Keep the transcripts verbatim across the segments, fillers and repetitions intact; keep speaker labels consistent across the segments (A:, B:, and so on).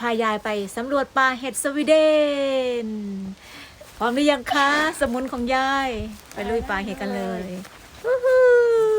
A: ายายไปสำรวจป่าเห็ดสวีเดนพร้อมหรือยังคะสมุนของยายไปลุยป่าเห็ดกันเลยวู้ฮู้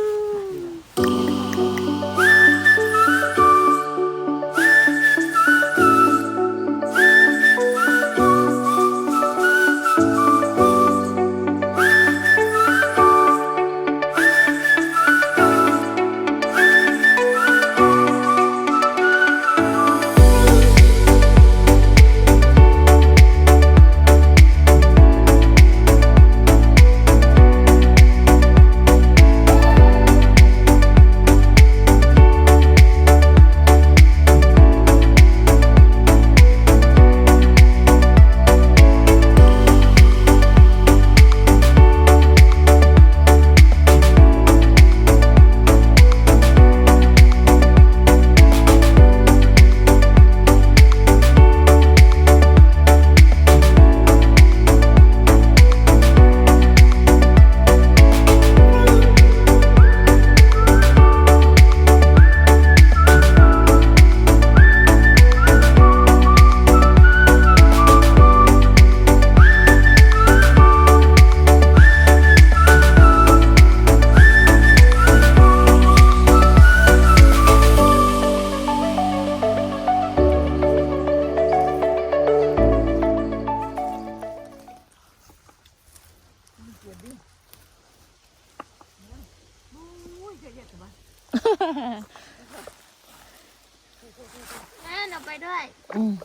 B: แม่หนูไปด้วย
A: อืม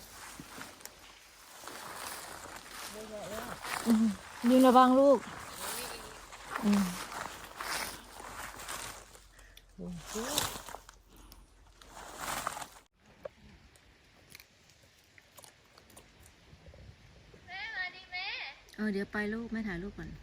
A: อืมยืนระวังลูกอืม
B: แม่มาดิแม่
A: เออเดี๋ยวไปลูกแม่ถ่ายรูปก่อน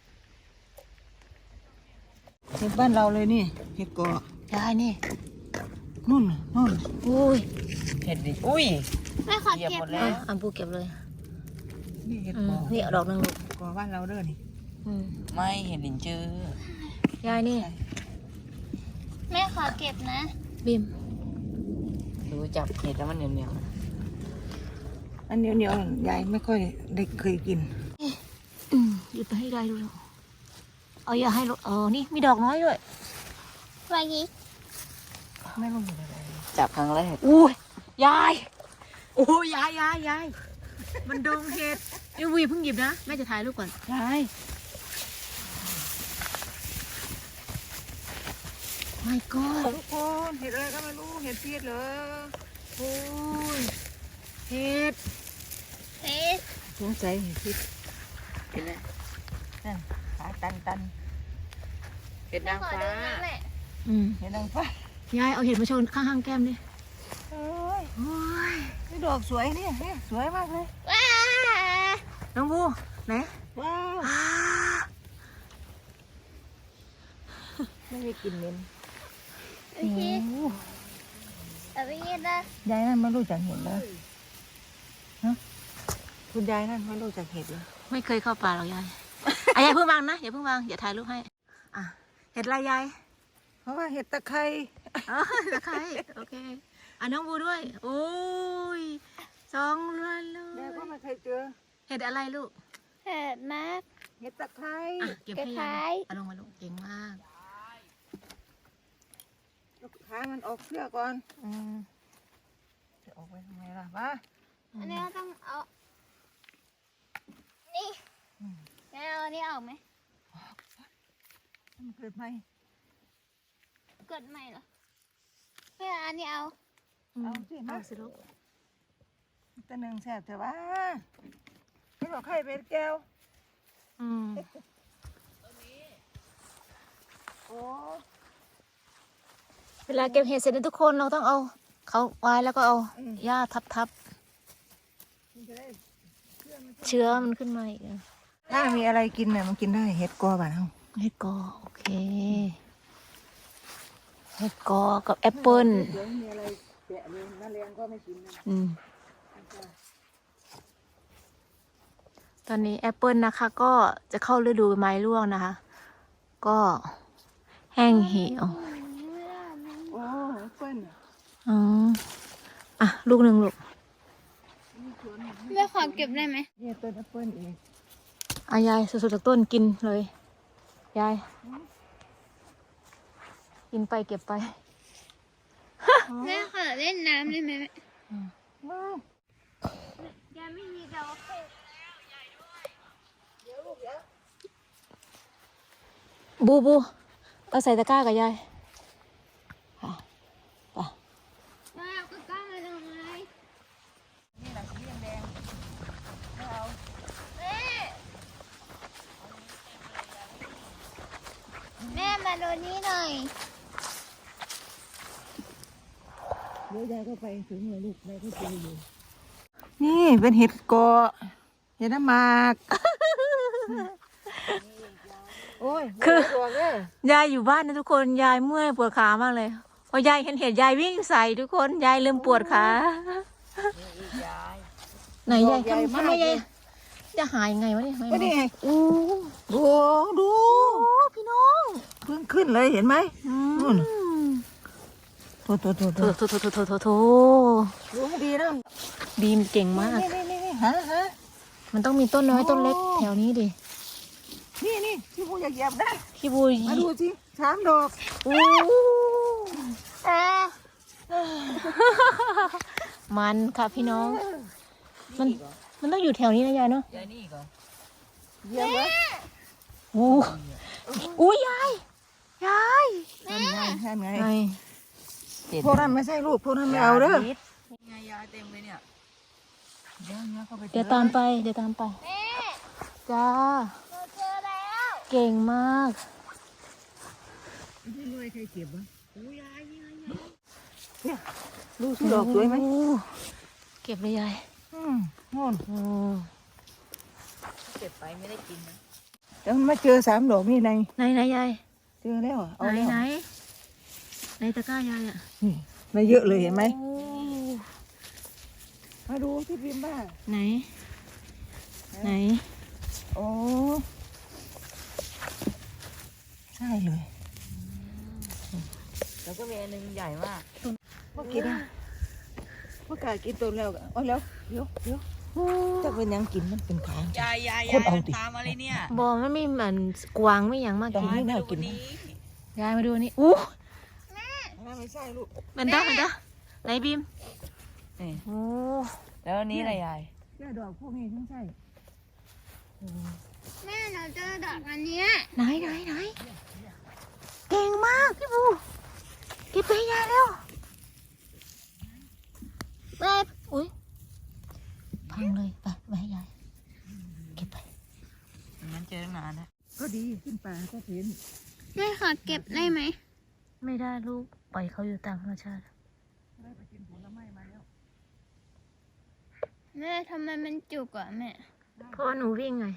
C: เห็ดบ้านเราเลยนี่เห็ดกอ
A: ยายนี่
C: นู่นน่ะนู่น
A: อุ้ย
C: เห็ดดิอุ้ย
B: แม่ขอ
C: เหยียบ
B: เก็บ
C: หมด
B: นะ
C: แล้
A: อ่ะ
C: ว
A: อัมพูเก็บเลย
C: นี่เห็ด
A: อื
C: ก
A: ม
C: อ
A: นี่เอาดอกหนึงลูก
C: กอบ้านเราเด้อนี่
A: อืม
C: ไม่เห็ดดินจื้อย
A: ายนี่
B: แม่ขอเก็บนะ
A: บิม
C: ดูจับเห็ดแล้วมันเหนียวเหนียวอันเหนียวเหนียวยายไม่ค่อยได้เคยกิน
A: อืมหยิบไปให้ได้ดูลูกเอาอย่าให้ลูกเออนี่มีดอกน้อยด้วย
B: วายิ
C: ไม่รู้เห็ดอะไรจับครั้งแรก
A: อุ้ยยายโอ้ยยายยายยายมันดงเห็ดเอ้ยวีเพิ่งหยิบนะแม่จะถ่ายรูปก่อน
C: ยาย
A: ไม่ก็
C: ทุกคนเห็ดอะไรก็ไม่รู้เห็ดเพี้ยเหรอ
A: โอ้ยเห็ด
B: เฮ้ย
C: สงสัยเห็ดพิษเห็นไหมนั่นขาตันตันเห็ด
B: แม่
C: นาง
B: ขอ
C: ฟ้า
B: ดูนะแม่
A: อืม
C: เห็ดนางฟ้าย
A: ายเอาเห็ดมาโชว์ข้างๆแก้มดิ
C: โอ้ย
A: โอ้ย
C: นี่ดอกสวยเนี่ยเนี่ยสวยมากเลย
B: ว้า
A: น้องบูไหน
C: ว้าว
A: อ้า
C: ไม่ได้กินเน้น
B: โอเคเอาไปยินนะ
C: ยายนั่นไม่รู้จักเห็ดเลยฮะคุณยายนั่นไม่รู้จักเห็ดเลย
A: ไม่เคยเข้าป่าหรอกยายอ่ะยายเพิ่งวางนะอย่าเพิ่งวางอย่าถ่ายรูปให้อ่ะเห็ดอะไรยาย
C: เพราะว่าเห็ดตะไคร้
A: อ๋อตะไคร้โอเคอ่ะน้องบูด้วยโอ้ยสองเรือนเล
C: แม่
A: ย
C: ก็ไม่เคยเจอ
A: เห็ดอะไรลูก
B: เห็ดนะ
C: เห็ดตะไคร้
A: อ่ะเก็บให้ยายเอาลงมาลูกเก่งมาก
C: ลูกค้ามันออกเสื้อก่อน
A: อืม
C: จะออกไปทำไมล่ะวะ
B: อันนี้เราต้องเอานี่แม่เอาอันนี้ออกไหม
C: มันเกิดไหม
B: กดใหม่เหรอแม่อันนี้เอา
C: เอาสิมา
A: เอาสิลูก
C: ตัวหนึ่งแสบแต่ว่าไม่บอกใครเป็นแก้ว
A: อืม
C: โอ้
A: เวลาเก็บเห็ดเสร็จเนี่ยทุกคนเราต้องเอาเขาไว้แล้วก็เอาหญ้าทับทับ
C: มันจะได้
A: ๆเชื้อมันขึ้นมาอีกอ่ะ
C: ถ้ามีอะไรกินเนี่ยมันกินได้เห็ดกอบ้านเฮา
A: เห็ดกอโอเคเห็ดกอกับแอปเปิ้ล
C: เดี๋ยวมีอะไรแกะเลยน้าเลี้ยงก็ไม่กินนะ
A: อืมตอนนี้แอปเปิลนะคะ ก็จะเข้าฤดูใบไม้ร่วงนะคะ ก็แห้งเหี่ยว
C: โอ้เปิ้ล
A: อ๋ออ่ะลูกหนึ่งลูก
B: ขอเก็บได้ไหม
C: เนี่ยต้นแอปเปิ้ลเอง
A: อายายสุดๆจากต้นกินเลยยายกินไปเก็บไป
B: แม่ขอเล่นน้ำได้ไหมแม่
C: ว้าว
B: ยังไม่มีดอก
A: บูบูเอาใส่ตะกร้ากับยายค่ะไป
B: แม่ก็กล้ามาทำไม
C: นี่แหละสีแดงไม่เอา
B: แม่แม่มาดูนี่หน่อย
C: เดี๋ยวยายก็ไปถึงเลยลูกยายก็เจออยู่นี่เป็นเห็ดเกาะเห็ดน้ำหมากโอ้ย
A: คือ
C: ตัวเลย
A: ยายอยู่บ้านนะทุกคนยายเมื่อยปวดขามากเลยพอยายเห็นเห็ดยายวิ่งใส่ทุกคนยายลืมปวดขา
C: อีกยาย
A: ไหนยาย
C: ใหญ่
A: ทำ
C: มาก
A: ทำไมยาย
C: เลย
A: จะหายยังไงวะเนี่ย
C: ก็นี่ไง
A: อู้
C: ดูดู
A: โอ้พี่น้อง
C: เพิ่งขึ้นเลยเห็นไหม นู่น โถโถโถโถ
A: โถโถโถโถโถโถ
C: ดูให้ดีนะ
A: บีมเก่งมาก
C: นี่นี่นี่นี่ฮะฮะ
A: มันต้องมีต้นน้อยต้นเล็ก
C: โอ้
A: แถวนี้ดิ
C: นี่นี่ที่พูอยากเหยียบได้
A: พี่บู
C: มาดูสิสามดอก
A: อู้
B: เออ
A: มันค่ะพี่น้อง มันมันต้องอยู่แถวนี้นะยายเนาะ
C: ยายนี่ก่อนเหยียบวะ
A: อู้อู้ยายยาย
C: ทำไงทำไง
A: ไง
C: พวกนั้นไม่ใช่ลูกพวกนั้นไม่เอาเด้อ
D: ไงยาเต็มเลยเนี่ย
C: เดี๋ยวเนี่ยเข้าไป
A: เดี๋ยวตามไปเดี๋ยวตามไป
B: แม่
A: จ้า
B: เราเจอแล้ว
A: เก่งมาก
C: ไม่รู้ใครเก็บวะ
D: โอ้ยายยายยาย
C: เนี่ยดูสิดอกสวยไหม
A: โอ้เก็บเลยยาย
C: อืมโน่น
A: โอ้
D: เก็บไปไม่ได้กินนะ
C: แล้วมันมาเจอสามดอกนี่ใน
A: ไหนไหนยาย
C: เจอแล้วอะเอา
A: ไหน
C: แล้ว
A: ไหนในตะกร้ายายอ่ะ
C: นี่มาเยอะเลยเห็นไหม
A: โอ้
C: มาดูที่พิมพ์บ้า
A: ไหน ไหน
C: โอ้ใช่เลย
D: แล้วก็มีอันหนึงใหญ่มาก
C: เมื่อกี้นะเมื่อกี้กินตัวแล้วก็เอาแล้วเดี๋ยวเดี๋ยวจะเป็นหยังกินมันเป็นขาง
D: ยายยาย
C: ค
D: ยาน ย
C: เอาดิ
D: ตามอะไรเนี่ย
A: บอมันไม่เหมือนกวางไม่อย่างมาก
C: ต้
A: กิ
C: อง
A: น
C: ให้แนวกิน
D: นี้
A: ยายมาดูนี่อู้
C: ไม่ใช่ลูก
A: มันได้มันได้ไหนบีม
D: นี่
A: โอ้
D: แล้วอันนี้อะไรยาย
C: แค่ดอกพวกนี้ทั้งใช่
B: แม่เราเจอดอกอันเนี้ย
A: ไหนไหนไหนเก่งมากพี่บูเก็บไปให้ยายแล้วไปอุ้ยพังเลยไปไปให้ยายเก็บไป
D: มันเจอตั้งนานแล้ว
C: ก็ดีขึ้นป่าก็เห็น
B: แม่ขอเก็บได้ไหม
A: ไม่ได้ลูกปล่อยเขาอยู่ตามธรรมชาติ
C: ได้ไปกินผลไม้มาแล้ว
B: แม่ทำไมมันจุกอ่ะแม่
A: เพราะว่าหนูวิ่งไง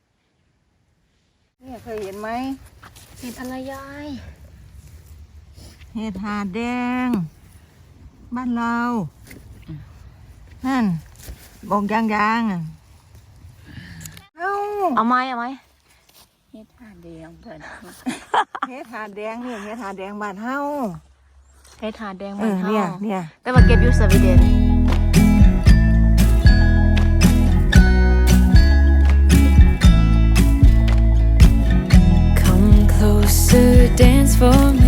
C: เนี่ยเคยเห็นไหม
A: เห็ดอะไรยาย
C: เห็ดหาดแดง บ้านเรานั่นบอกยางยางๆอ่ะเอ้า
A: เอาไม้เอาไม้
D: เฮ็ดห่านแดงเพิ่น
C: เห็ดหาดแดงเนี่ยเห็ดหาดแดงบ้านเฮา
A: เห็ดหาดแดง
C: เอ
A: บ้าน
C: อ
A: เฮา
C: เนี่ยเนี่ย
A: แต่ว่าเก็บอยู่สวีเดน
E: Come closer, dance for